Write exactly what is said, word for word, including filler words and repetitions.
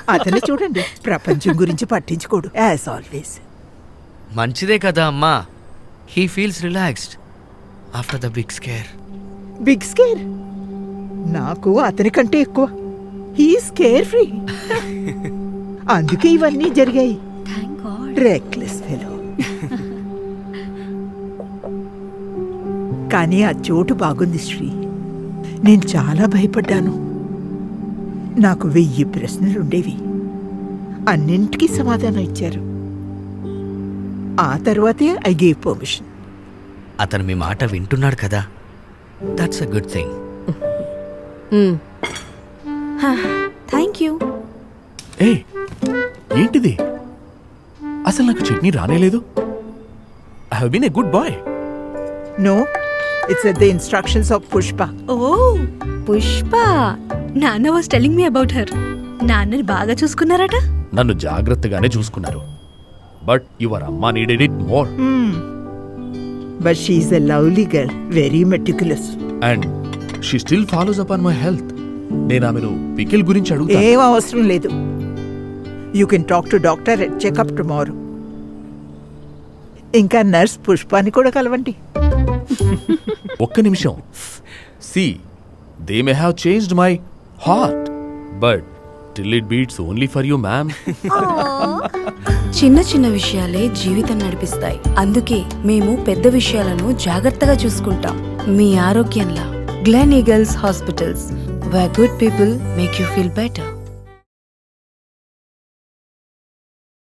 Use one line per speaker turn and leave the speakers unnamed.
అతను చూడండి, ప్రపంచం గురించి పట్టించుకోడు యాజ్ ఆల్వేస్.
మంచిదే కదా అమ్మా. He feels relaxed after the big scare.
Big scare నాకు అతని కంటే ఎక్కువ. He scare free. అందుకే ఇవన్నీ జరిగాయి. Reckless fellow. కానీ ఆ చోటు బాగుంది శ్రీ. నేను చాలా భయపడ్డాను. నాకు వెయ్యి ప్రశ్నలుండేవి. అన్నింటికీ సమాధానం ఇచ్చారు. ఆ తర్వాతే ఐ గేవ్ పర్మిషన్.
అతను మీ మాట వింటున్నాడు కదా, that's a good thing.
Thank you.
ఏ ఏంటిది? అసలు నాకు చట్నీ రానేలేదు. I have been a good boy.
No, it's the instructions of Pushpa.
ఓ పుష్ప. నాన్న was telling me about her. నాన్నని బాగా చూసుకున్నారట.
నన్ను జాగ్రత్తగానే చూసుకున్నారు. బట్ యువర్ అమ్మా needed it more.
But she is a lovely girl, very meticulous.
And she still follows up on my health. నేను ఆమెను పికిల్ గురించి అడుగుతా.
ఏం అవసరం లేదు. You can talk to doctor at checkup tomorrow. ఇంకా నర్స్ పుష్పాని కూడా కలవండి.
ఒక్క నిమిషం. See, they may have changed my heart, but till it beats only for you ma'am.
చిన్న చిన్న విషయాలే జీవితం నడిపిస్తాయి. అందుకే మేము పెద్ద విషయాలను జాగ్రత్తగా చూసుకుంటాం. మీ ఆరోగ్యంలా Gleneagles hospitals, where good people make you feel better.